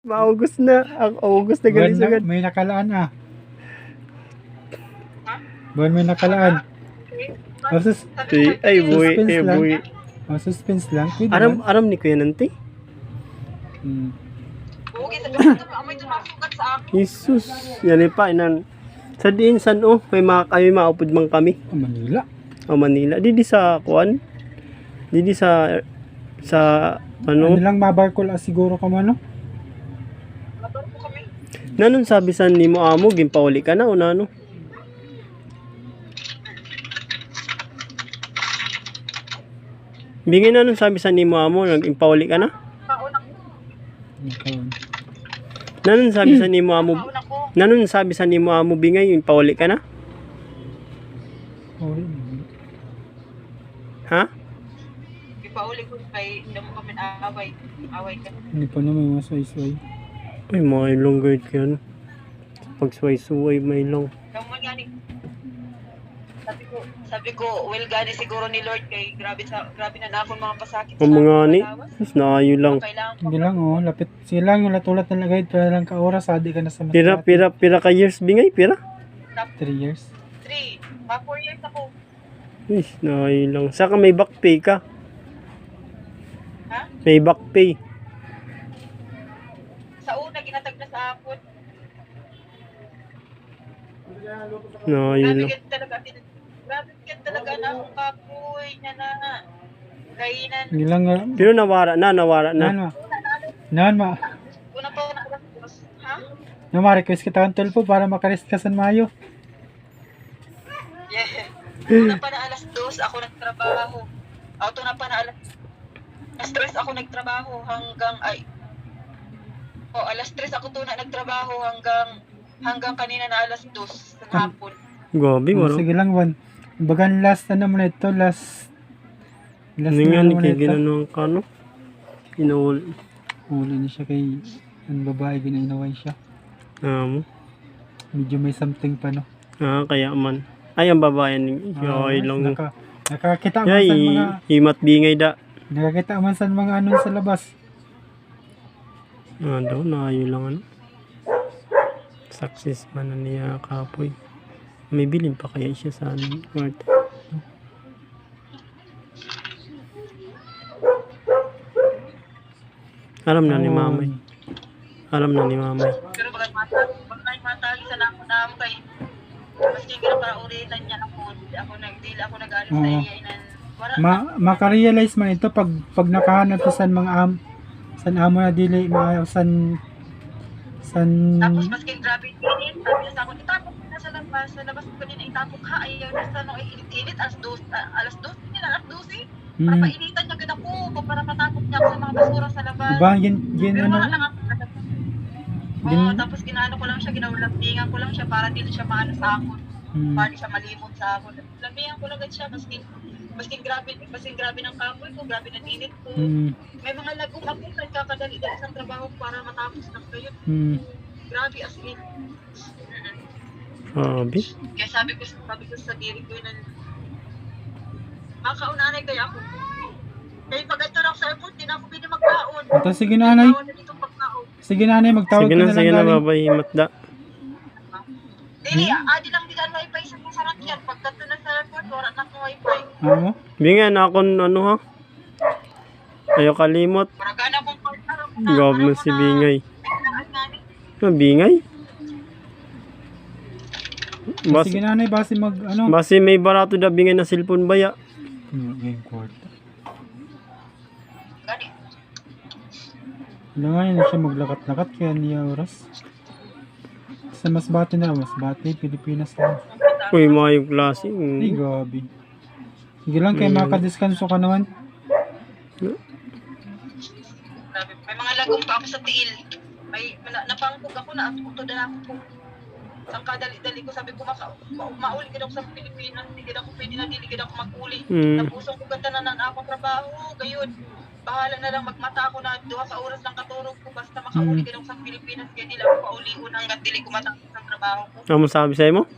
Maugos na. Ang August na galing Buwan na, agad. may nakalaan ah. Buwan may nakalaan. O, Buwi, suspense lang. buwi. O, suspense lang. Pwede Aram, man. aram ni Kuya Nanti. Jesus, yan pa inan. Sa diin san may maupod man kami. Manila. O Manila. Didi sa kuan. Didi sa Ano ano? lang mabarkol siguro ka man, no? Nanon sabi san nimo amo gimpauli ka na o nano? Bingin nanon sabi san nimo amo nag-impauli ka na? Nanon sabi san nimo amo? Nanon sabi san nimo amo bingay impauli ka na? Ha? Ipauli ko kay hindi mo kami away ka. Hindi pa naman masway-sway. Ay, may long guard ka yan. Pag suway-suway, may long. Kamu gani. Sabi ko, well gani siguro ni Lord kay grabe na nakon mga pasakit. Ang mga ni, mas naayo lang. Kailangan Hindi lang, oh. Lapit. Sige lang, yung latulat na lagay. Para lang ka oras, adi ka na sa Pira ka years bingay, pira. 3 years. 3, 4 years ako. Is, naayo lang. Saka may back pay ka. Ha? May back pay. Sa una ginatag na sa akon. Naayo Grabe lang. ka talaga na akong kapoy niya na. Kainan. Hindi lang, Pero nawara na. Nan ma. Una pa na ha? No, ma-request kita ang 12 po para makarest ka sa Mayo. Yeah. Una pa na alas 2 ako nagtrabaho. Auto na pa na alas 3 ako nagtrabaho hanggang alas 3 ako to na nagtrabaho hanggang kanina na alas 2 ng hapon. Gabi, wala. Sige lang, Juan. Bagan last ano mo na ito, last Hindi nga ni mo na kay ito. ginanong ka, no? Inuul. Huli niya siya kay ang babae, ginainaway siya. Medyo may something pa, no? Kaya man. Ay, ang babae ni Yoy lang. Nakakita man Yay, sa mga himat bingay da. nakakita man sa mga ano sa labas. Daw, naayo lang ano. Success man na niya kapoy. May bilin pa kaya siya sa kwarto. Alam na ni mamay. Alam na ni mamay. Pero bagay matagi sa nako na mo kay maski gira para ulitan niya ako nag-alis sa iya inan. Maka-realize man ito pag nakahanap sa san amo na dili san Tapos maski grabe init, sabi niya sa akin, itapok na sa labas ko din itapok ha, ayaw na sa nung init, alas 2 nila, alas 12, para painitan niya ganda ko, para matapok niya ako sa mga basura sa labas. diba gin Pero ano wala lang ako. Tapos ginaano ko lang siya, ginawalambingan ko lang siya para dili siya maano sa akin, para di siya malimot sa akin. Lambingan ko lang siya, maski grabe ng kapoy ko, grabe ng init ko. May mga lagong ako nagkakadali-dali sa trabaho para matapos lang kayo. Grabe as in. Sabi. Kaya sabi ko sa diri ko na makaunanay kaya ako. Kaya pag ito lang sa airport, di na ako pwede magkaon. Ito, sige nanay. Sige nanay, magtawag Sige ka na, na sige lang na, galing. babay, himat da. Dili, adi lang di ka wifi sa mga sarakyan. Pagdato na sa airport, wala na akong wifi. Oo. Bingay na akong ano ha. Ayaw kalimot. Maragana akong partner. Gawag mo si Bingay. Bingay? Sige nanay, base mag ano. Basi may barato da bingay na cellphone baya. Game kwarta. Gani. Wala nga yun siya maglakat-lakat kaya niya oras. Sa Masbate na, Masbate, Pilipinas na. Uy, mayong klase. Ay, gabi. Sige lang, kaya makadiskanso ka naman. Grabe. May mga lagong pa ako sa tiil. Napangkog ako na utod na ako. Ang kadali-dali ko, sabi ko, mauli ka daw sa Pilipinas, hindi ka daw pwede na, hindi ka daw mag-uli. Napusong ko ganda na akong trabaho, gayon. Bahala na lang, magmata ako na 2 ka oras lang katurog ko, basta makauli ka daw sa Pilipinas, kaya nila ako pauli-un hanggang dili ko matapos ang trabaho ko. Ano sabi sa'yo mo?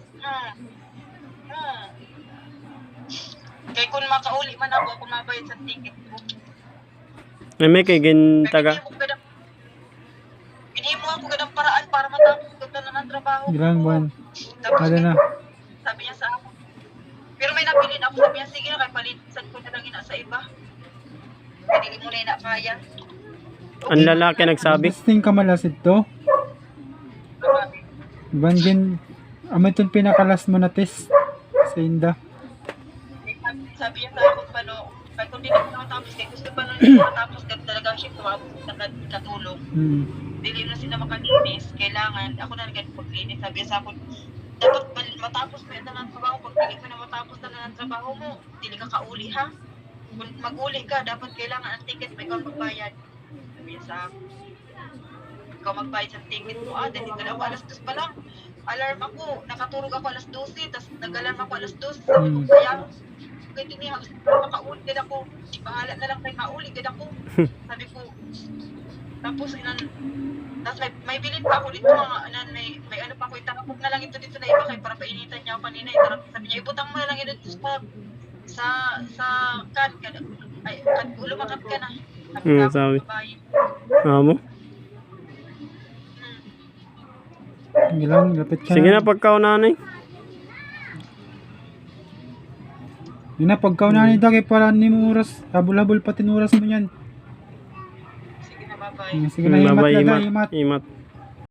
Kaya kung makauli man ako mabayad sa ticket ko. Ay, may kay gin taga. hinimo ako ganang paraan para matapos ko na ng trabaho. Ilang buwan? Tapos Kada na. sabi niya sa akin. Pero may napilin ako, sabi niya, sige na, kay palitan ko na lang ina sa iba. Hindi mo na ina kaya. Ang lalaki nagsabi. Testing ka malasit to. Bangin, amay itong pinakalas mo na test sa Inda. Sabi niya sa akin, paano, kaya kung di na ako matapos, kaya gusto pa nung hindi matapos, kaya talaga siya kumabot na katulong. Dili na sila makalinis, kailangan, ako na naging paglinis, sabi niya sa akin, dapat matapos mo yan na ng trabaho, pag hindi mo na matapos na ng trabaho mo, dili ka kauli ha. Kung mag-uli ka, dapat kailangan ang ticket, may ikaw magbayad. Sabi niya sa akin, ikaw magbayad sa ticket mo, dahil dito na ako alas 2 pa lang. Alarm ako, nakatulog ako alas 12, tapos nag-alarm ako alas 12, sabi ko, kaya, kaya din niya, makauli ka ako, bahala na lang kayo kauli ka ako. Sabi ko, tapos tapos may bilin pa ako dito mga may ano pa ako, itarapok na lang ito dito na iba kay para painitan niya ako kanina, sabi niya, ibutang mo na lang ito sa kan, lumakat ka na. Sabi. Amo? Ilang, lapit ka Sige na. na pagkaunanay. Yun na, pagkaunahan nito kay para ni mo oras. Habol-habol pa tinuras mo yan. Sige na, bye-bye. Sige na, himat Bye-bye, na, Imat. himat. Imat.